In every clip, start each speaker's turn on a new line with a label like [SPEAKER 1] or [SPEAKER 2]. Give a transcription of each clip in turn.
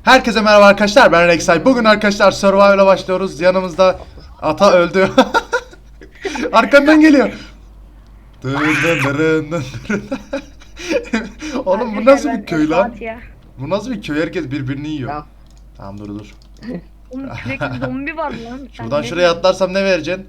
[SPEAKER 1] Herkese merhaba arkadaşlar, ben Rek'Sai. Bugün arkadaşlar Survival'a başlıyoruz. Yanımızda ata öldü. Arkamdan geliyor. Dın dın dırın dın dırın. Oğlum bu nasıl bir köy lan? Bu nasıl bir köy? Herkes birbirini yiyor.
[SPEAKER 2] Ya.
[SPEAKER 1] Tamam dur.
[SPEAKER 3] Oğlum sürekli zombi var lan.
[SPEAKER 1] Şuradan şuraya atlarsam ne vereceksin?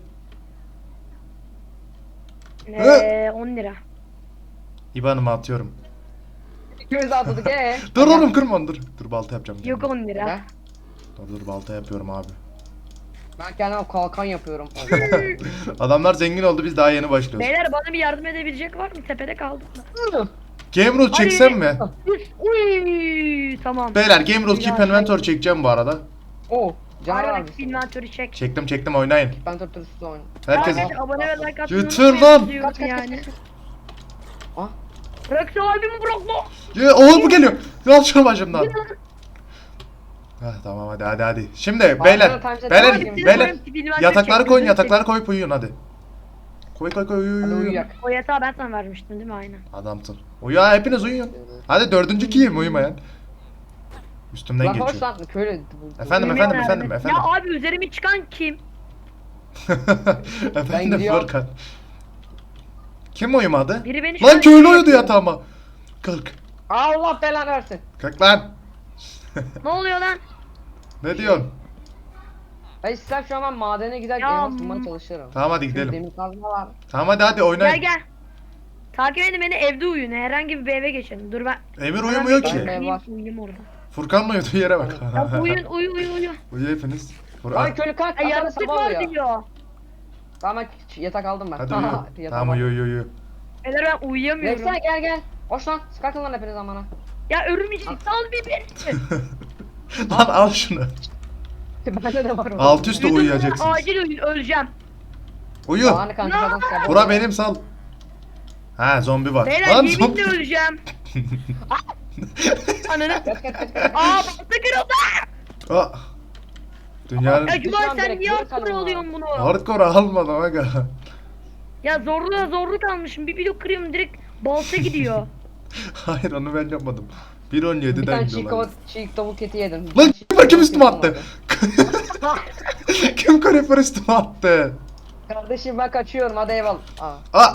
[SPEAKER 3] 10 lira.
[SPEAKER 1] İban'ımı atıyorum.
[SPEAKER 2] İkimiz de atladık
[SPEAKER 1] Dur oğlum kırma onu, dur. Dur balta yapacağım.
[SPEAKER 3] Yok 10 lira.
[SPEAKER 1] Dur balta yapıyorum abi.
[SPEAKER 2] Ben kendime kalkan yapıyorum.
[SPEAKER 1] Adamlar zengin oldu, biz daha yeni başlıyoruz.
[SPEAKER 3] Beyler bana bir yardım edebilecek var mı? Tepede kaldım da.
[SPEAKER 1] Game rule çeksem mi?
[SPEAKER 3] Uy, tamam.
[SPEAKER 1] Beyler Game rule keep inventory çekeceğim bu arada.
[SPEAKER 2] Oo, canavar
[SPEAKER 3] Hayır,
[SPEAKER 2] mısın?
[SPEAKER 3] inventörü çek.
[SPEAKER 1] Çektim oynayın.
[SPEAKER 2] Ben turturusu oyun.
[SPEAKER 1] Herkes
[SPEAKER 3] Arkadaşlar, abone ve like atmayı
[SPEAKER 1] Götür
[SPEAKER 3] unutmayın
[SPEAKER 1] lan.
[SPEAKER 3] diyorum
[SPEAKER 2] Kaç.
[SPEAKER 3] yani.
[SPEAKER 2] Ah.
[SPEAKER 3] Bırak sahibimi bırak lan.
[SPEAKER 1] Ya, oğlum bu geliyor. Yal şunu başımdan. Heh, tamam hadi. Şimdi beyler yatakları koyup uyuyun hadi. Koy uyu.
[SPEAKER 2] Hadi uyuyak.
[SPEAKER 3] O yatağı ben sana vermiştim değil mi? Aynen.
[SPEAKER 1] Adamsın. Uyu ha, hepiniz uyuyun. Hadi dördüncü kim uyumayan. Üstümden
[SPEAKER 2] Lan hoş
[SPEAKER 1] geçiyor.
[SPEAKER 2] lan köylü.
[SPEAKER 1] Efendim.
[SPEAKER 3] Ya abi üzerime çıkan kim?
[SPEAKER 1] Efendim
[SPEAKER 2] gidiyorum.
[SPEAKER 1] Furkan. Kim uyumadı?
[SPEAKER 3] Biri beni
[SPEAKER 1] Lan köylü uyudu yatağıma. Kalk.
[SPEAKER 2] Allah belanı versin.
[SPEAKER 1] Kalk lan.
[SPEAKER 3] Ne oluyor lan?
[SPEAKER 1] Ne diyorsun?
[SPEAKER 2] Ben istem şu an ben madene gider
[SPEAKER 3] Ya,
[SPEAKER 2] elmas bulmaya çalışırım.
[SPEAKER 1] Tamam hadi
[SPEAKER 2] Çünkü
[SPEAKER 1] gidelim.
[SPEAKER 2] demir kazma var.
[SPEAKER 1] Tamam hadi oynayın.
[SPEAKER 3] Gel. Takip edin beni, evde uyuyun. Herhangi bir eve geçin. Dur ben.
[SPEAKER 1] Emir uyumuyor
[SPEAKER 2] Ben
[SPEAKER 1] ki.
[SPEAKER 2] de-
[SPEAKER 3] Uyuyayım orada.
[SPEAKER 1] Furkan'la uyuduğu yere bak.
[SPEAKER 3] Ya uyu.
[SPEAKER 1] Uyu hepiniz.
[SPEAKER 2] Lan köylü kalk.
[SPEAKER 3] Ay
[SPEAKER 2] Aslında
[SPEAKER 3] yaratık
[SPEAKER 2] sabah
[SPEAKER 3] var
[SPEAKER 2] oluyor.
[SPEAKER 3] diyor.
[SPEAKER 2] Tamam yatak aldım ben.
[SPEAKER 1] Hadi uyu.
[SPEAKER 2] Yatak
[SPEAKER 1] Tamam
[SPEAKER 2] aldım.
[SPEAKER 1] uyu.
[SPEAKER 3] Beyler ben uyuyamıyorum.
[SPEAKER 2] Neyse gel. Hoş lan. Sıkartın lan hepiniz amana.
[SPEAKER 3] Ya örümcek sal bir beni.
[SPEAKER 1] Lan al şunu.
[SPEAKER 2] Bende de var o.
[SPEAKER 1] Alt üstte uyuyacaksınız.
[SPEAKER 3] Acil uyuyun, öleceğim.
[SPEAKER 1] Uyu.
[SPEAKER 2] Anı kanka adam sabah.
[SPEAKER 1] Bura benim sal. Ha zombi var.
[SPEAKER 3] Beyler
[SPEAKER 1] Lan
[SPEAKER 3] yeminle
[SPEAKER 1] zombi.
[SPEAKER 3] öleceğim. Ananı.
[SPEAKER 2] Kaç.
[SPEAKER 3] Balta kırıldı.
[SPEAKER 1] Aa. Dünyanın
[SPEAKER 3] Ya Cuma
[SPEAKER 2] Düşman
[SPEAKER 3] sen
[SPEAKER 2] direkt
[SPEAKER 3] niye
[SPEAKER 2] geri
[SPEAKER 3] hardcore
[SPEAKER 2] kalın
[SPEAKER 3] oluyorsun bunu?
[SPEAKER 1] hardcore almadım aga.
[SPEAKER 3] Ya zorluk almışım. Bir blok kırıyorum direkt balta gidiyor.
[SPEAKER 1] Hayır onu ben yapmadım.
[SPEAKER 2] Bir
[SPEAKER 1] 1.17'den
[SPEAKER 2] tane
[SPEAKER 1] gidiyorlar.
[SPEAKER 2] çiğ tavuk eti yedim.
[SPEAKER 1] Lan kim üstüme attı? Kim creeper üstüme attı?
[SPEAKER 2] Kardeşim ben kaçıyorum hadi eyvallah.
[SPEAKER 1] Aa.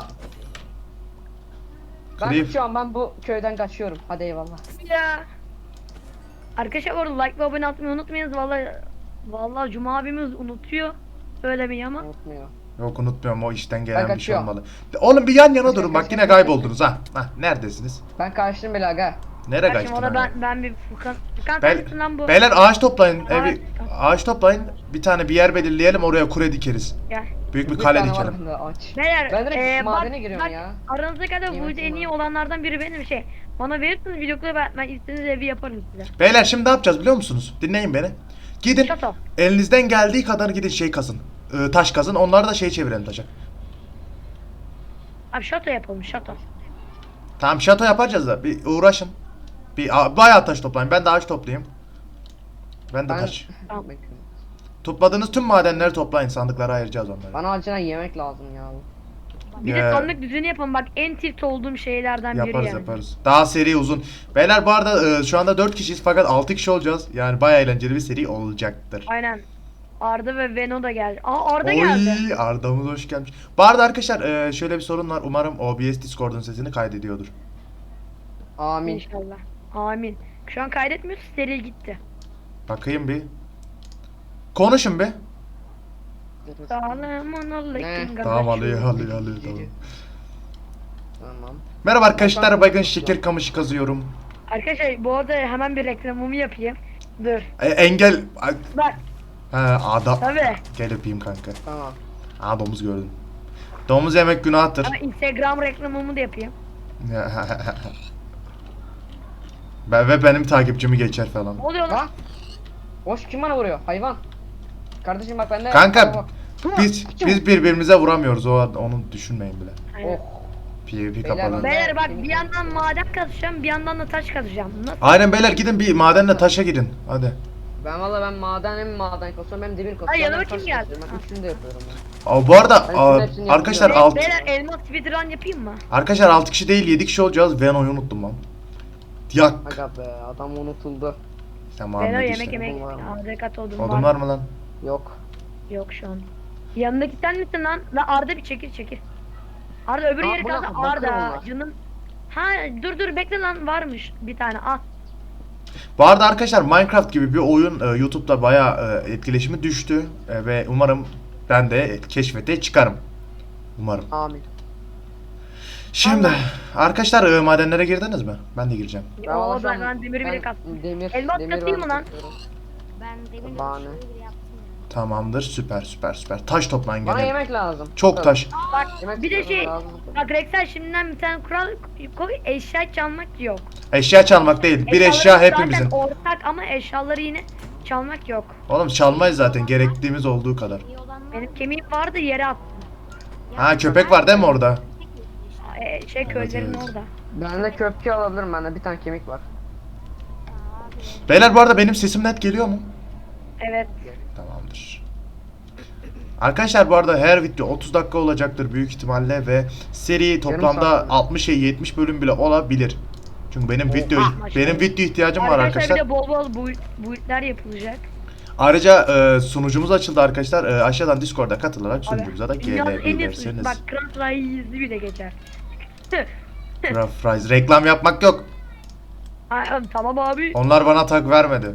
[SPEAKER 2] Ben
[SPEAKER 1] Creep.
[SPEAKER 2] kaçıyorum ben bu köyden kaçıyorum hadi eyvallah.
[SPEAKER 3] Ya. Arkadaşlar bu arada like ve abone atmayı unutmayınız. Vallahi Cuma abimiz unutuyor. Söylemeyi ama.
[SPEAKER 2] Unutmuyor.
[SPEAKER 1] Yok unutmuyorum, o işten
[SPEAKER 2] Ben
[SPEAKER 1] gelen bir şey
[SPEAKER 2] kaçıyorum.
[SPEAKER 1] olmalı. Oğlum bir yan yana
[SPEAKER 2] Kaç,
[SPEAKER 1] durun,
[SPEAKER 2] kaç,
[SPEAKER 1] bak yine
[SPEAKER 2] kaç,
[SPEAKER 1] kayboldunuz ha. Hah neredesiniz?
[SPEAKER 2] Ben kaçtım bile aga.
[SPEAKER 1] Nereye
[SPEAKER 3] Şimdi
[SPEAKER 1] kaçtın?
[SPEAKER 3] orada
[SPEAKER 1] aga?
[SPEAKER 3] ben bir Furkan
[SPEAKER 1] Bel-
[SPEAKER 3] sensin lan bu.
[SPEAKER 1] Beyler ağaç toplayın.
[SPEAKER 3] Ağaç-
[SPEAKER 1] Ağaç toplayın. Bir tane bir yer belirleyelim, oraya kure dikeriz.
[SPEAKER 3] Gel.
[SPEAKER 1] Büyük bir
[SPEAKER 2] Bir
[SPEAKER 1] kale
[SPEAKER 2] tane var
[SPEAKER 1] dikelim.
[SPEAKER 2] bende, aç.
[SPEAKER 3] Beyler
[SPEAKER 2] Ben direkt madene giriyorum ya.
[SPEAKER 3] Aranızda kadar bu
[SPEAKER 2] Yemesin
[SPEAKER 3] en iyi
[SPEAKER 2] bana.
[SPEAKER 3] olanlardan biri benim şey. Bana verirsiniz blokları ben istediğiniz evi yaparım size.
[SPEAKER 1] Beyler şimdi ne yapacağız biliyor musunuz? Dinleyin beni. Gidin.
[SPEAKER 3] Şato.
[SPEAKER 1] Elinizden geldiği kadar gidin şey kazın. Taş kazın. Onları da şey çevirelim taşa.
[SPEAKER 3] Abi şato yapalım şato.
[SPEAKER 1] Tamam şato yapacağız da bir uğraşın. Bayağı taş toplayın. Ben de ağaç toplayayım. Ben de
[SPEAKER 2] Ben...
[SPEAKER 1] taş.
[SPEAKER 3] Tamam.
[SPEAKER 1] Topladığınız tüm madenleri toplayın. Sandıklara ayıracağız onları.
[SPEAKER 2] Bana acilen yemek lazım ya.
[SPEAKER 3] Bir de sandık düzeni yapalım bak en tilt olduğum şeylerden biri yani.
[SPEAKER 1] Yaparız. Daha seri uzun. Beyler bu arada şu anda 4 kişiyiz fakat 6 kişi olacağız. Yani bayağı eğlenceli bir seri olacaktır.
[SPEAKER 3] Aynen. Arda ve Veno da geldi. Aa Arda geldi.
[SPEAKER 1] Oy Arda'mız hoş gelmiş. Bu arada arkadaşlar şöyle bir sorun var. Umarım OBS Discord'un sesini kaydediyordur.
[SPEAKER 2] Amin.
[SPEAKER 3] İnşallah. Amin. Şu an kaydetmiyoruz seri gitti.
[SPEAKER 1] Bakayım bir. Konuşun bir.
[SPEAKER 3] Selamun aleyküm.
[SPEAKER 1] Tamam alıyor. Tamam.
[SPEAKER 2] Tamam.
[SPEAKER 1] Merhaba arkadaşlar, bakın şeker kamışı kazıyorum.
[SPEAKER 3] Arkadaşlar bu arada hemen bir reklamımı yapayım. Dur.
[SPEAKER 1] Engel...
[SPEAKER 3] Bak
[SPEAKER 1] Adam.
[SPEAKER 3] tabii.
[SPEAKER 1] Gel öpeyim kanka.
[SPEAKER 2] Tamam.
[SPEAKER 1] Domuz gördüm. Domuz yemek günahtır.
[SPEAKER 3] Ama Instagram reklamımı da yapayım.
[SPEAKER 1] Benim takipçimi geçer falan.
[SPEAKER 3] Ne oluyor lan?
[SPEAKER 2] Ha? Hoş kim bana vuruyor? Hayvan. Kardeşim bak bende.
[SPEAKER 1] Kanka biz birbirimize vuramıyoruz, onu düşünmeyin bile.
[SPEAKER 3] Aynen.
[SPEAKER 2] Oh.
[SPEAKER 1] PvP
[SPEAKER 2] Beyler,
[SPEAKER 1] kapalı.
[SPEAKER 3] Beyler bak bir yandan maden kazacağım bir yandan da taş kazacağım. Nasıl?
[SPEAKER 1] Aynen beyler, gidin bir madenle taşa gidin. Hadi.
[SPEAKER 2] Ben maden hem maden kasıyorum hem demir kasıyorum.
[SPEAKER 3] Ay, yanıma
[SPEAKER 2] hem taş
[SPEAKER 3] kim geldi?
[SPEAKER 2] kasıyorum. Ben üçünü de yapıyorum ben.
[SPEAKER 1] Bu arada
[SPEAKER 2] Ben şunun hepsini
[SPEAKER 1] arkadaşlar
[SPEAKER 2] yapıyorum.
[SPEAKER 3] Beyler elmas speedrun yapayım mı?
[SPEAKER 1] Arkadaşlar 6 kişi değil 7 kişi olacağız. Veno'yu unuttum lan. Yak.
[SPEAKER 2] Aga be adam unutuldu.
[SPEAKER 1] Sen
[SPEAKER 3] Ben o
[SPEAKER 1] Muhammed
[SPEAKER 3] yemek
[SPEAKER 1] işte.
[SPEAKER 3] yemek.
[SPEAKER 4] Odun var mı?
[SPEAKER 3] ADK odun
[SPEAKER 1] Odun var mı lan?
[SPEAKER 4] Yok.
[SPEAKER 3] Yok şu an. Yanındaki sen misin lan? La Arda bir çekil. Arda öbür
[SPEAKER 4] Aa,
[SPEAKER 3] yeri
[SPEAKER 4] bu ne?
[SPEAKER 3] kaldı.
[SPEAKER 4] Bakır
[SPEAKER 3] Arda
[SPEAKER 4] onlar.
[SPEAKER 3] canım. Ha dur bekle lan varmış bir tane al.
[SPEAKER 1] Bu arada arkadaşlar Minecraft gibi bir oyun YouTube'da bayağı etkileşimi düştü. Ve umarım ben de keşfete çıkarım. Umarım.
[SPEAKER 4] Amin.
[SPEAKER 1] Şimdi
[SPEAKER 3] Allah.
[SPEAKER 1] arkadaşlar madenlere girdiniz mi? Ben de gireceğim.
[SPEAKER 3] Oo
[SPEAKER 4] şu an-
[SPEAKER 3] ben demiri bile kastım.
[SPEAKER 4] Demir.
[SPEAKER 3] Elmas
[SPEAKER 4] demir
[SPEAKER 3] katayım
[SPEAKER 4] ben
[SPEAKER 3] mı lan?
[SPEAKER 4] katıyorum.
[SPEAKER 5] Ben demin
[SPEAKER 4] Bahane.
[SPEAKER 5] öyle bir şey bile yaptım ya.
[SPEAKER 1] Tamamdır. Süper. Taş toplayın
[SPEAKER 4] Bana
[SPEAKER 1] gene.
[SPEAKER 4] yemek lazım.
[SPEAKER 1] Çok taş.
[SPEAKER 3] Bak
[SPEAKER 4] Yemek
[SPEAKER 3] bir de şey
[SPEAKER 4] lazım.
[SPEAKER 3] bak Rexel şimdiden bir tane kural koy eşya çalmak yok.
[SPEAKER 1] Eşya çalmak değil. Bir
[SPEAKER 3] Eşyaları
[SPEAKER 1] eşya hepimizin.
[SPEAKER 3] Zaten ortak ama eşyaları yine çalmak yok.
[SPEAKER 1] Oğlum çalmayız zaten gerektiğimiz olduğu kadar.
[SPEAKER 5] İyi olan var
[SPEAKER 3] Benim
[SPEAKER 5] mı?
[SPEAKER 3] kemiğim vardı yere attım.
[SPEAKER 5] Ya
[SPEAKER 1] Ha köpek var değil mi orada?
[SPEAKER 5] tek yesin işte.
[SPEAKER 3] Şey köylerin
[SPEAKER 1] evet.
[SPEAKER 3] orada.
[SPEAKER 4] Bende köpke alabilirim, bende bir tane kemik var.
[SPEAKER 5] Abi.
[SPEAKER 1] Beyler bu arada benim sesim net geliyor mu?
[SPEAKER 3] Evet.
[SPEAKER 1] Tamamdır. Arkadaşlar bu arada her video 30 dakika olacaktır büyük ihtimalle ve seri toplamda
[SPEAKER 4] saat mi?
[SPEAKER 1] 60 70 bölüm bile olabilir. Çünkü benim video ihtiyacım var arkadaşlar.
[SPEAKER 3] Bir de bol build'ler yapılacak.
[SPEAKER 1] Ayrıca sunucumuz açıldı arkadaşlar. Aşağıdan Discord'a katılarak sunucumuza da
[SPEAKER 3] Dünyanın en iyi
[SPEAKER 1] gelebilirsiniz.
[SPEAKER 3] bak Grand Rise'i bile geçer.
[SPEAKER 1] Fries reklam yapmak yok.
[SPEAKER 3] Ay, tamam abi.
[SPEAKER 1] Onlar bana tak vermedi.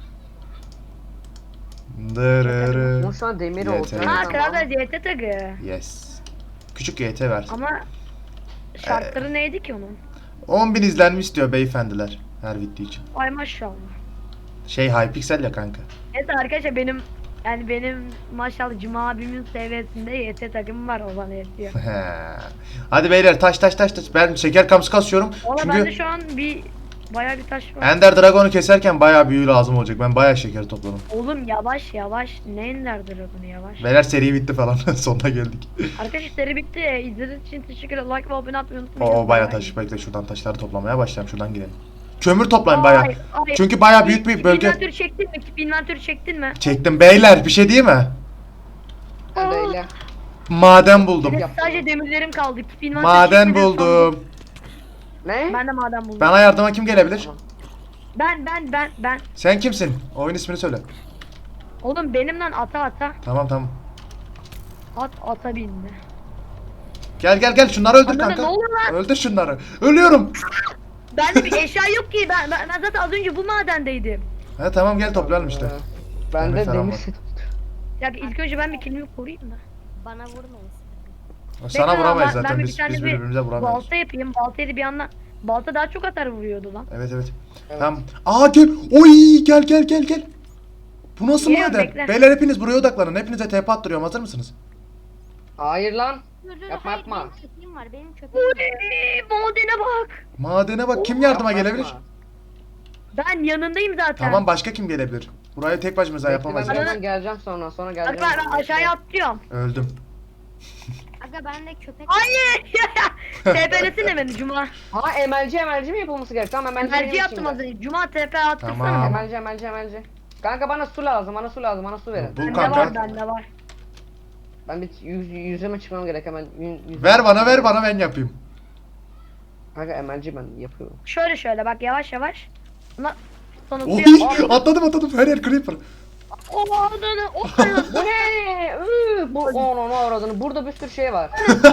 [SPEAKER 1] Dırırı.
[SPEAKER 4] Ama şu an demir
[SPEAKER 1] Yeter.
[SPEAKER 4] oldu.
[SPEAKER 3] Ha Grand Rise YT tagı.
[SPEAKER 1] Yes. Küçük YT ver.
[SPEAKER 3] Ama şartları neydi ki onun?
[SPEAKER 1] 10.000 izlenme istiyor beyefendiler her video için.
[SPEAKER 3] Ay maşallah.
[SPEAKER 1] Şey Hypixel ya kanka.
[SPEAKER 3] Evet arkadaşlar benim maşallah Cuma abimin seviyesinde YT takımı var o bana yetiyor.
[SPEAKER 1] Hadi beyler taş. Ben şeker kamçı kasıyorum.
[SPEAKER 3] Valla
[SPEAKER 1] Çünkü
[SPEAKER 3] bende şu an bayağı bir taş var.
[SPEAKER 1] Ender Dragon'u keserken bayağı büyü lazım olacak. Ben bayağı şeker topladım.
[SPEAKER 3] Oğlum yavaş. Ne Ender Dragon'u yavaş.
[SPEAKER 1] Beyler seri bitti falan. Sonuna geldik.
[SPEAKER 3] Arkadaşlar seri bitti. İzlediğiniz için teşekkür ederim. Like ve abone atmayı unutmayın.
[SPEAKER 1] O bayağı taş. Bekle şuradan taşları toplamaya başlayalım. Şuradan gidelim. Kömür toplayın bayağı.
[SPEAKER 3] Ay.
[SPEAKER 1] Çünkü bayağı büyük bir bölge.
[SPEAKER 3] Inventörü çektin mi? Keep inventörü çektin mi?
[SPEAKER 1] Çektim beyler bir şey değil mi?
[SPEAKER 4] Hadi öyle.
[SPEAKER 1] Maden buldum.
[SPEAKER 3] Benim sadece demirlerim kaldı. Keep inventörü
[SPEAKER 1] Maden
[SPEAKER 3] çekmeden sonra-
[SPEAKER 1] buldum.
[SPEAKER 4] Ne?
[SPEAKER 3] Ben de maden buldum.
[SPEAKER 1] Bana yardıma kim gelebilir?
[SPEAKER 3] Ben.
[SPEAKER 1] Sen kimsin? Oyun ismini söyle.
[SPEAKER 3] Oğlum benimle ata.
[SPEAKER 1] Tamam.
[SPEAKER 3] Ata bindi.
[SPEAKER 1] Gel şunları öldür
[SPEAKER 3] Anne,
[SPEAKER 1] kanka.
[SPEAKER 3] ne oluyor lan?
[SPEAKER 1] Öldür şunları. Ölüyorum.
[SPEAKER 3] Bende bir eşya yok ki. Ben zaten az önce bu madendeydim.
[SPEAKER 1] He tamam gel toplayalım işte.
[SPEAKER 4] Ben
[SPEAKER 1] Demir
[SPEAKER 4] de
[SPEAKER 1] falan
[SPEAKER 4] demir
[SPEAKER 1] var.
[SPEAKER 4] set.
[SPEAKER 3] Ya ilk önce ben bir kendimi koruyayım da.
[SPEAKER 5] Bana vurmayın.
[SPEAKER 1] Sana
[SPEAKER 3] Bekle,
[SPEAKER 1] vuramayız
[SPEAKER 3] ben
[SPEAKER 1] zaten
[SPEAKER 3] bir
[SPEAKER 1] biz
[SPEAKER 3] tane bir
[SPEAKER 1] birbirimize vuramıyoruz.
[SPEAKER 3] Balta yapayım. Baltayı da bir yandan. Balta daha çok atar vuruyordu lan.
[SPEAKER 1] Evet.
[SPEAKER 4] Evet.
[SPEAKER 1] Tamam. Aa gel. Oy gel. Bu nasıl
[SPEAKER 3] Geliyorum,
[SPEAKER 1] maden?
[SPEAKER 3] bekle.
[SPEAKER 1] Beyler hepiniz buraya odaklanın. Hepinize TP attırıyorum. Hazır mısınız?
[SPEAKER 4] Hayır lan.
[SPEAKER 5] Dur,
[SPEAKER 4] Yapma,
[SPEAKER 5] hayır,
[SPEAKER 4] yapma.
[SPEAKER 5] benim köpeğim var. Benim köpeğim var.
[SPEAKER 3] Madene bak.
[SPEAKER 1] Madene bak. Kim yardıma
[SPEAKER 4] Yapma,
[SPEAKER 1] gelebilir?
[SPEAKER 4] yapma.
[SPEAKER 3] Ben yanındayım zaten.
[SPEAKER 1] Tamam başka kim gelebilir? Burayı tek başımıza
[SPEAKER 4] Bekle,
[SPEAKER 1] yapamayız.
[SPEAKER 4] Ben
[SPEAKER 3] Bana-
[SPEAKER 4] birazdan geleceğim sonra
[SPEAKER 3] Bak
[SPEAKER 4] geleceğim.
[SPEAKER 3] ben aşağıya atlıyorum.
[SPEAKER 1] Öldüm.
[SPEAKER 5] Aga bende köpek
[SPEAKER 3] Hayır. TP'lesene beni Cuma.
[SPEAKER 4] Ha emelci mi yapılması gerek? Tamam emelci
[SPEAKER 3] Merci
[SPEAKER 4] benim
[SPEAKER 3] yaptım
[SPEAKER 4] içimde.
[SPEAKER 3] az önce. Cuma TP attırsana.
[SPEAKER 1] Tamam.
[SPEAKER 4] Emelci. Kanka bana su lazım, bana su verin.
[SPEAKER 1] Bul
[SPEAKER 3] Bende
[SPEAKER 1] kanka.
[SPEAKER 3] var bende var.
[SPEAKER 4] Ben bir yüzüme çıkmam gerek hemen.
[SPEAKER 1] Ver bana ben yapayım.
[SPEAKER 4] Kanka emelci ben yapıyorum.
[SPEAKER 3] Şöyle bak yavaş. Buna sonra
[SPEAKER 1] Oy
[SPEAKER 3] suya...
[SPEAKER 1] atladım her yer creeper.
[SPEAKER 3] O adını.
[SPEAKER 4] Bu ne? Bu onu avradını. Burada bir sürü şey var.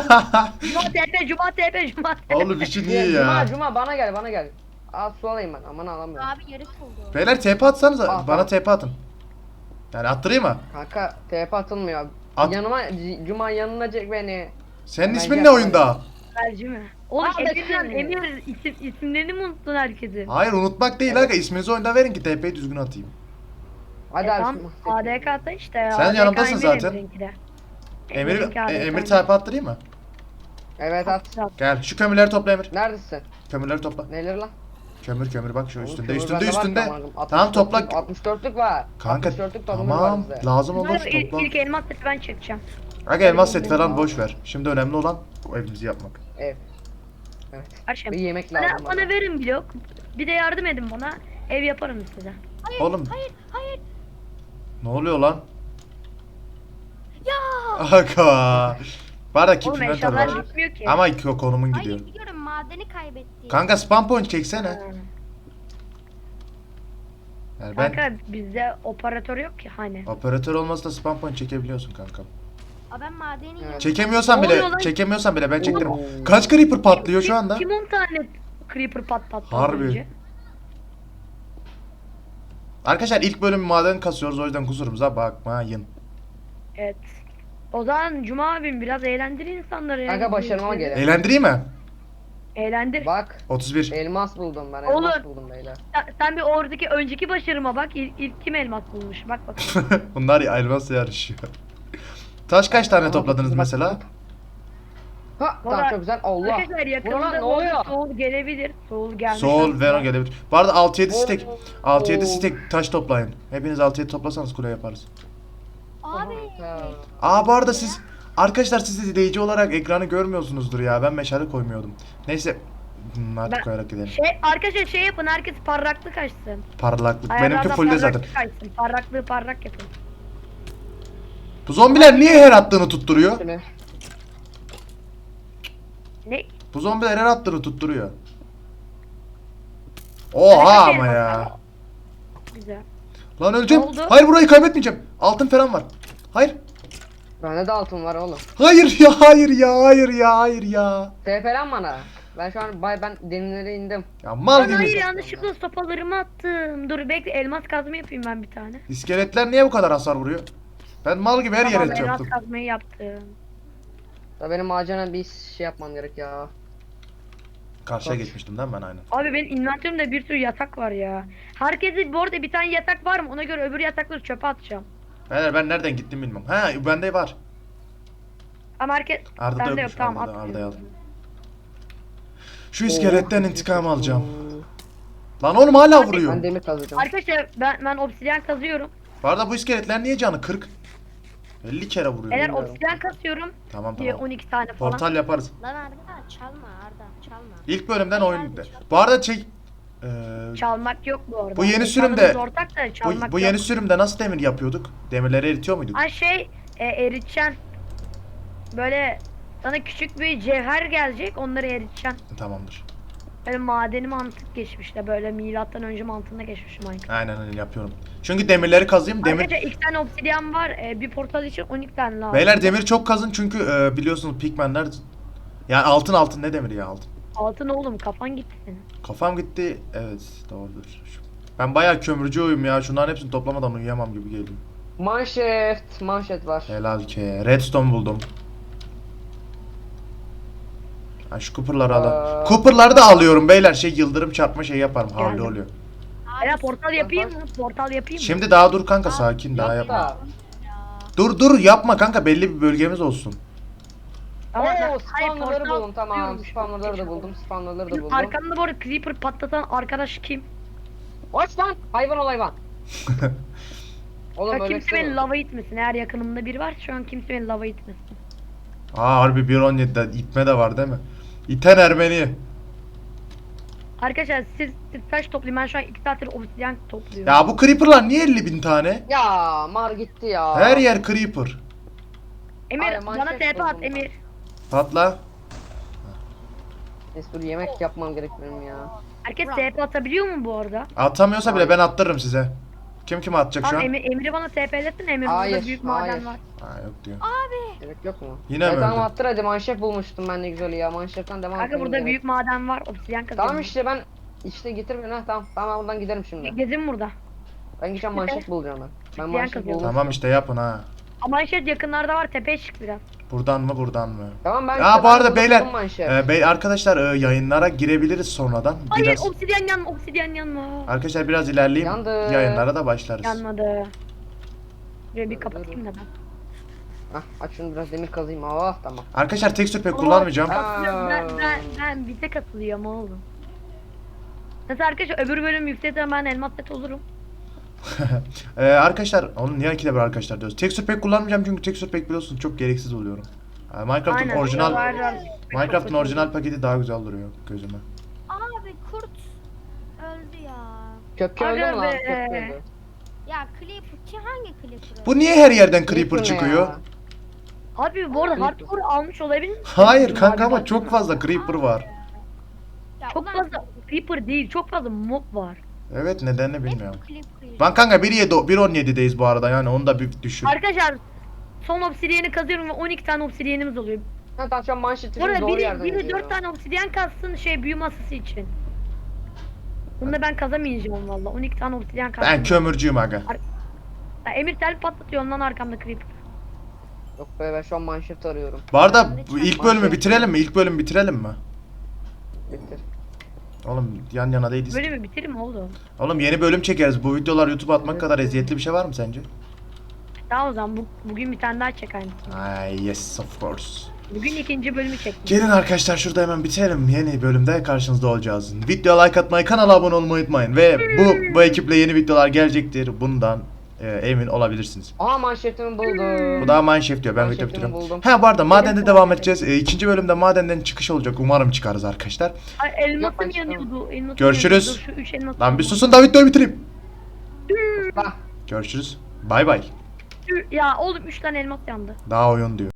[SPEAKER 3] Cuma TP.
[SPEAKER 1] Oğlum için iyi ya.
[SPEAKER 4] Cuma bana gel. Aa su alayım ben. Aman alamıyorum.
[SPEAKER 5] abi yarık oldu.
[SPEAKER 1] Beyler TP atsanıza.
[SPEAKER 4] Aa,
[SPEAKER 1] Bana
[SPEAKER 4] tamam.
[SPEAKER 1] TP atın. Yani attırayım mı?
[SPEAKER 4] Kanka TP atılmıyor.
[SPEAKER 1] At.
[SPEAKER 4] Yanıma Cuma yanına çek beni.
[SPEAKER 1] Senin
[SPEAKER 4] Ben
[SPEAKER 1] ismin ne
[SPEAKER 4] yapmadım.
[SPEAKER 1] oyunda?
[SPEAKER 3] Merci mi? Oğlum
[SPEAKER 4] Aa,
[SPEAKER 3] Emir isimlerini mi unuttun herkesin?
[SPEAKER 1] Hayır unutmak değil aga. İsminizi oyunda verin ki TP'yi düzgün atayım.
[SPEAKER 4] Hadi abi.
[SPEAKER 3] Tamam ADK'da işte ya.
[SPEAKER 1] Sen
[SPEAKER 3] ADK
[SPEAKER 1] yanımdasın
[SPEAKER 3] Emir
[SPEAKER 1] zaten.
[SPEAKER 3] Emir'inki de.
[SPEAKER 1] Emir
[SPEAKER 3] Emir'inki ADK
[SPEAKER 1] Emir TP attırayım mı?
[SPEAKER 4] Evet at.
[SPEAKER 1] Gel şu kömürleri topla Emir.
[SPEAKER 4] Neredesin?
[SPEAKER 1] Kömürleri topla.
[SPEAKER 4] Neler lan?
[SPEAKER 1] Kömür bak şu
[SPEAKER 4] Oğlum,
[SPEAKER 1] üstünde
[SPEAKER 4] kömür
[SPEAKER 1] üstünde
[SPEAKER 4] bende var
[SPEAKER 1] üstünde.
[SPEAKER 4] ki aman,
[SPEAKER 1] Tamam topla.
[SPEAKER 4] 64'lük var.
[SPEAKER 1] Kanka
[SPEAKER 4] 64'lük tohumum var
[SPEAKER 1] tamam
[SPEAKER 4] bizde.
[SPEAKER 1] lazım olur
[SPEAKER 3] Bunları
[SPEAKER 1] topla.
[SPEAKER 3] ilk elmas seti ben çekeceğim.
[SPEAKER 1] Aga elmas set falan boş ver. Şimdi önemli olan bu evimizi yapmak.
[SPEAKER 4] Ev. Evet.
[SPEAKER 3] Akşam.
[SPEAKER 4] Bir yemek lazım
[SPEAKER 3] Bana verin blok. Bir de yardım edin bana. Ev yaparım size.
[SPEAKER 1] Oğlum
[SPEAKER 5] Hayır.
[SPEAKER 1] ne oluyor lan?
[SPEAKER 5] Ya.
[SPEAKER 1] Aga. Var da keep
[SPEAKER 3] Oğlum
[SPEAKER 1] inventory
[SPEAKER 3] eşyalar
[SPEAKER 1] var.
[SPEAKER 3] gitmiyor ki.
[SPEAKER 1] Ama konumun gidiyor.
[SPEAKER 5] Hayır biliyorum madeni kaybettik.
[SPEAKER 1] Kanka spam point çeksene.
[SPEAKER 3] Ha.
[SPEAKER 1] Yani ben
[SPEAKER 3] Kanka bizde operatör yok ki hani.
[SPEAKER 1] operatör olmasa da spam point çekebiliyorsun kankam.
[SPEAKER 5] Aa, ben madeni
[SPEAKER 4] Evet.
[SPEAKER 5] yiyorum.
[SPEAKER 1] Çekemiyorsan
[SPEAKER 3] Ne
[SPEAKER 1] bile,
[SPEAKER 3] oluyor lan?
[SPEAKER 1] çekemiyorsan bile ben çektiririm.
[SPEAKER 4] Oo.
[SPEAKER 1] Kaç creeper patlıyor şu anda?
[SPEAKER 3] Kim 10 tane creeper patlattı az
[SPEAKER 1] Harbi.
[SPEAKER 3] önce?
[SPEAKER 1] Arkadaşlar ilk bölüm maden kasıyoruz, o yüzden kusurumuza bakmayın.
[SPEAKER 3] Evet. O zaman Cuma abim biraz eğlendir insanları ya.
[SPEAKER 4] Kanka başarıma gelin.
[SPEAKER 1] Eğlendireyim mi?
[SPEAKER 3] Eğlendir.
[SPEAKER 4] Bak
[SPEAKER 1] 31.
[SPEAKER 4] elmas buldum ben,
[SPEAKER 3] Oğlum.
[SPEAKER 4] elmas buldum beyler.
[SPEAKER 3] Sen bir oradaki önceki başarıma bak. İlk kim elmas bulmuş? Bak bakalım.
[SPEAKER 1] Bunlar elmas yarışıyor. Taş kaç tane
[SPEAKER 4] Aha,
[SPEAKER 1] topladınız
[SPEAKER 4] bak.
[SPEAKER 1] mesela?
[SPEAKER 4] Ha tamam
[SPEAKER 3] Valla-
[SPEAKER 4] çok güzel. Allah.
[SPEAKER 3] Arkadaşlar
[SPEAKER 4] Bu ne
[SPEAKER 3] yakında
[SPEAKER 4] lan, ne
[SPEAKER 3] bu
[SPEAKER 4] oluyor?
[SPEAKER 3] arada Soul gelebilir. Soul gelmiş.
[SPEAKER 1] Soul,
[SPEAKER 3] aslında.
[SPEAKER 1] Veno gelebilir. Bu arada 6-7 stack.
[SPEAKER 4] Oo.
[SPEAKER 1] 6-7 stack taş toplayın. Hepiniz 6-7 toplasanız kule yaparız.
[SPEAKER 5] Abi.
[SPEAKER 1] Aa bu arada siz arkadaşlar, siz izleyici olarak ekranı görmüyorsunuzdur ya. Ben meşale koymuyordum. Neyse. Hadi
[SPEAKER 3] Ben-
[SPEAKER 1] koyarak gidelim.
[SPEAKER 3] Arkadaşlar şey yapın, herkes parraklık açsın.
[SPEAKER 1] Parlaklık. Benimki
[SPEAKER 3] Ayarlardan
[SPEAKER 1] fullde zaten.
[SPEAKER 3] parraklık açsın. Parraklığı parrak yapın.
[SPEAKER 1] Bu zombiler niye her attığını tutturuyor?
[SPEAKER 4] Şöyle.
[SPEAKER 3] Ne?
[SPEAKER 1] Bu zombiler her attığını tutturuyor. Oha ama ya.
[SPEAKER 3] Güzel.
[SPEAKER 1] Lan öleceğim.
[SPEAKER 3] Ne oldu?
[SPEAKER 1] Hayır, burayı kaybetmeyeceğim. Altın falan var. Hayır.
[SPEAKER 4] Bende de altın var oğlum.
[SPEAKER 1] Hayır ya, hayır ya, hayır ya, hayır ya.
[SPEAKER 4] TP'len bana. Ben şu an ben derinlere indim.
[SPEAKER 1] Ya mal
[SPEAKER 3] Lan hayır
[SPEAKER 1] gibi.
[SPEAKER 3] yanlışlıkla sopalarımı attım. Dur bekle, elmas kazma yapayım ben bir tane.
[SPEAKER 1] İskeletler niye bu kadar hasar vuruyor? Ben mal gibi her yere
[SPEAKER 3] Tamam, elmas
[SPEAKER 1] yaptım.
[SPEAKER 3] kazmayı yaptım.
[SPEAKER 4] Da benim acana bir şey yapmam gerek ya.
[SPEAKER 1] Karşıya
[SPEAKER 4] Bak.
[SPEAKER 1] geçmiştim değil mi ben aynen.
[SPEAKER 3] Abi benim inventörümde bir sürü yatak var ya. Herkese bu arada bir tane yatak var mı? Ona göre öbür yatakları çöpe atacağım.
[SPEAKER 1] Beyler ben nereden gittim bilmem. Ha bende var.
[SPEAKER 3] Ama herkes...
[SPEAKER 1] Arda da
[SPEAKER 3] Bende yok,
[SPEAKER 1] yokmuş.
[SPEAKER 3] tamam
[SPEAKER 1] Arda'da
[SPEAKER 3] atmıyorum.
[SPEAKER 1] aldım. Şu iskeletten
[SPEAKER 4] Oh.
[SPEAKER 1] intikam alacağım. Lan oğlum hala vuruyor.
[SPEAKER 4] Ben demir kazacağım.
[SPEAKER 3] Arkadaşlar ben obsidyen kazıyorum.
[SPEAKER 1] Bu arada bu iskeletler niye canı 40? 50 kere vuruyor.
[SPEAKER 3] Eğer
[SPEAKER 4] Bilmiyorum.
[SPEAKER 3] obsidyen kasıyorum
[SPEAKER 1] Tamam
[SPEAKER 3] diye
[SPEAKER 1] tamam.
[SPEAKER 3] 12 tane falan.
[SPEAKER 1] Portal yaparız.
[SPEAKER 5] Lan Arda çalma Arda çalma.
[SPEAKER 1] İlk bölümden oyun. Bu arada
[SPEAKER 3] Çalmak yok bu arada.
[SPEAKER 1] Bu yeni
[SPEAKER 3] Mekanımız
[SPEAKER 1] sürümde-
[SPEAKER 3] ortak da çalmak
[SPEAKER 1] bu
[SPEAKER 3] yok.
[SPEAKER 1] yeni sürümde nasıl demir yapıyorduk? Demirleri eritiyor muyduk?
[SPEAKER 3] Ha eriteceksin. Böyle sana küçük bir cevher gelecek, onları eriteceksin.
[SPEAKER 1] Tamamdır.
[SPEAKER 3] Böyle madeni mantık geçmişte, böyle milattan önce mantığına geçmiş Minecraft.
[SPEAKER 1] Aynen öyle yapıyorum. Çünkü demirleri kazayım.
[SPEAKER 3] Arkadaşlar 2 tane obsidyen var, bir portal için 12 tane lazım.
[SPEAKER 1] Beyler demir çok kazın çünkü biliyorsunuz pigmenler. Yani altın ne demiri ya altın.
[SPEAKER 3] Altın oğlum, kafan gitti senin.
[SPEAKER 1] Kafam gitti. Evet doğrudur. Ben bayağı kömürcüyüm ya. Şunların hepsini toplamadan uyuyamam gibi geliyor.
[SPEAKER 4] Manşet var.
[SPEAKER 1] Helal ki. Redstone buldum. Ha, şu Cooper'ları al. Cooper'ları da alıyorum beyler. Yıldırım çarpma yaparım. Havlu
[SPEAKER 3] Geldim.
[SPEAKER 1] oluyor.
[SPEAKER 3] Ela portal yapayım mı? Portal yapayım mı?
[SPEAKER 1] Şimdi daha dur kanka, sakin daha yapma.
[SPEAKER 4] Da.
[SPEAKER 1] Dur yapma kanka, belli bir bölgemiz olsun.
[SPEAKER 3] Ama hayır,
[SPEAKER 4] Spawnerları
[SPEAKER 3] portal
[SPEAKER 4] buldum tamam.
[SPEAKER 3] tutuyormuş.
[SPEAKER 4] Spawnerları da buldum. Spawnerları da
[SPEAKER 3] Benim
[SPEAKER 4] buldum.
[SPEAKER 3] arkamda bu arada creeper patlatan arkadaş kim?
[SPEAKER 4] Aç lan! Hayvan ol hayvan. Oğlum
[SPEAKER 3] Ya
[SPEAKER 4] öyle
[SPEAKER 3] kimse beni lava itmesin. Eğer yakınımda biri var şu an kimse beni lava itmesin.
[SPEAKER 1] Aa harbi 1.17'de itme de var değil mi? İten Ermeni.
[SPEAKER 3] Arkadaşlar siz taş toplayın, ben şu an 2 saattir obsidyen topluyorum.
[SPEAKER 1] Ya bu creeper'lar niye 50.000 tane?
[SPEAKER 4] Ya mar gitti ya.
[SPEAKER 1] Her yer creeper.
[SPEAKER 3] Emir
[SPEAKER 4] Ay,
[SPEAKER 3] bana
[SPEAKER 4] manşet
[SPEAKER 3] TP at
[SPEAKER 4] buldum
[SPEAKER 3] Emir.
[SPEAKER 1] Patla.
[SPEAKER 4] Neyse dur yemek yapmam gerek benim ya.
[SPEAKER 3] Herkes TP atabiliyor mu bu arada?
[SPEAKER 1] Atamıyorsa bile ben attırırım size. Kim atacak şu
[SPEAKER 3] Tamam
[SPEAKER 1] an?
[SPEAKER 3] Emir'i bana TP'lesin, Emir burada
[SPEAKER 4] Hayır,
[SPEAKER 3] büyük
[SPEAKER 4] hayır.
[SPEAKER 3] maden var.
[SPEAKER 1] Ha yok diyor.
[SPEAKER 4] Gerek yok mu?
[SPEAKER 1] Yine mi
[SPEAKER 4] Tamam
[SPEAKER 1] öldü?
[SPEAKER 4] attır hadi, manşet bulmuştum ben ne güzel ya. Manşetten devam
[SPEAKER 3] Kanka
[SPEAKER 4] etmem
[SPEAKER 3] burada
[SPEAKER 4] gerek.
[SPEAKER 3] büyük maden var, obsidyen kazıyorum.
[SPEAKER 4] Tamam işte ben getir beni ha tamam. Tamam ben buradan giderim şimdi.
[SPEAKER 3] Gezin burada.
[SPEAKER 4] Ben gideceğim manşet bulacağım ben. Ben
[SPEAKER 3] İsteyen
[SPEAKER 4] manşet
[SPEAKER 3] kazıyor.
[SPEAKER 4] buldum.
[SPEAKER 1] Tamam işte yapın ha.
[SPEAKER 3] Ama manşet yakınlarda var, tepeye çık biraz.
[SPEAKER 1] Buradan mı?
[SPEAKER 4] Tamam ben
[SPEAKER 1] Ya bu arada
[SPEAKER 4] buldum
[SPEAKER 1] beyler,
[SPEAKER 4] manşet.
[SPEAKER 1] arkadaşlar yayınlara girebiliriz sonradan.
[SPEAKER 3] Hayır
[SPEAKER 1] Biraz
[SPEAKER 3] obsidyen yanma.
[SPEAKER 1] arkadaşlar biraz ilerleyeyim.
[SPEAKER 4] Yandı.
[SPEAKER 1] Yayınlara da başlarız.
[SPEAKER 3] Yanmadı. Şurayı bir kapatayım da ben.
[SPEAKER 4] Hah aç şunu biraz demir kazayım. Oh tamam.
[SPEAKER 1] Arkadaşlar tekstür pek kullanmayacağım.
[SPEAKER 3] Ben bize katılıyorum oğlum. Mesela arkadaşlar öbür bölüm yükseltirsen ben elmas set olurum.
[SPEAKER 1] Arkadaşlar oğlum niye ikide bir arkadaşlar diyoruz. Tekstür pek kullanmayacağım çünkü tekstür pek biliyorsunuz çok gereksiz oluyorum. Minecraft'ın
[SPEAKER 3] Aynen,
[SPEAKER 1] orijinal
[SPEAKER 3] var.
[SPEAKER 1] Minecraft'ın orijinal paketi daha güzel duruyor gözüme.
[SPEAKER 5] Abi kurt öldü ya.
[SPEAKER 4] Köpke öldü mü
[SPEAKER 3] Aga
[SPEAKER 4] lan?
[SPEAKER 3] be.
[SPEAKER 4] Köpke öldü.
[SPEAKER 5] Ya Clipper ki hangi Clipper öldü?
[SPEAKER 1] Bu niye her yerden creeper
[SPEAKER 4] Creeper ne
[SPEAKER 1] çıkıyor?
[SPEAKER 4] ya?
[SPEAKER 3] Abi bu arada hardcore almış olabilir misin?
[SPEAKER 1] Hayır kanka
[SPEAKER 3] Abi
[SPEAKER 1] ama
[SPEAKER 3] bak.
[SPEAKER 1] çok fazla creeper var.
[SPEAKER 5] Ya
[SPEAKER 3] Çok
[SPEAKER 5] ulan
[SPEAKER 3] fazla creeper değil, çok fazla mob var.
[SPEAKER 1] Evet, nedenini
[SPEAKER 5] Hep
[SPEAKER 1] bilmiyorum.
[SPEAKER 5] Creeper.
[SPEAKER 1] Lan kanka 1.17'deyiz bu arada, yani onu da bir düşün.
[SPEAKER 3] Arkadaşlar son obsidiyeni kazıyorum ve 12 tane obsidiyenimiz oluyor.
[SPEAKER 2] Ha, tamam şu an manşetimiz
[SPEAKER 3] Orada
[SPEAKER 2] doğru yerden
[SPEAKER 3] biri
[SPEAKER 2] yazıyor.
[SPEAKER 3] 4 tane obsidyen kazsın büyü masası için. Bunu da ben kazamayacağım valla. 12 tane obsidyen kazdım.
[SPEAKER 1] Ben kömürcüyüm aga.
[SPEAKER 3] Ya, Emir tel patlatıyor ondan arkamda creeper.
[SPEAKER 2] Yok be, ben şu an manşet arıyorum.
[SPEAKER 1] Bu arada bu ilk bölümü bitirelim mi? İlk bölümü bitirelim mi?
[SPEAKER 2] Bitir.
[SPEAKER 1] Oğlum yan yana değiliz.
[SPEAKER 3] Böyle mi bitirir mi oldu?
[SPEAKER 1] Oğlum yeni bölüm çekeriz. Bu videolar YouTube'a atmak kadar eziyetli bir şey var mı sence?
[SPEAKER 3] Tamam o zaman bugün bir tane daha çek aynısını.
[SPEAKER 1] Ay yes of course.
[SPEAKER 3] Bugün ikinci bölümü çektim.
[SPEAKER 1] Gelin arkadaşlar şurada hemen bitirelim. Yeni bölümde karşınızda olacağız. Videoya like atmayı, kanala abone olmayı unutmayın. Ve bu ekiple yeni videolar gelecektir. Bundan emin olabilirsiniz.
[SPEAKER 2] Aha, manşetimi buldum.
[SPEAKER 1] Bu daha Mineshaft diyor. Ben video
[SPEAKER 2] Manşetimi
[SPEAKER 1] bitiriyorum.
[SPEAKER 2] buldum.
[SPEAKER 1] Ha bu arada madende devam edeceğiz. İkinci bölümde madenden çıkış olacak. Umarım çıkarız arkadaşlar.
[SPEAKER 3] Ay, elmasım
[SPEAKER 2] Yapma,
[SPEAKER 3] yanıyordu. Elmasım
[SPEAKER 1] Görüşürüz.
[SPEAKER 3] yanıyordu. Şu 3 elmas.
[SPEAKER 1] Lan bir susun da videoyu bitireyim.
[SPEAKER 2] Bak.
[SPEAKER 1] Görüşürüz. Bay bay.
[SPEAKER 3] Ya oğlum 3 tane elmas yandı.
[SPEAKER 1] Daha oyun diyor.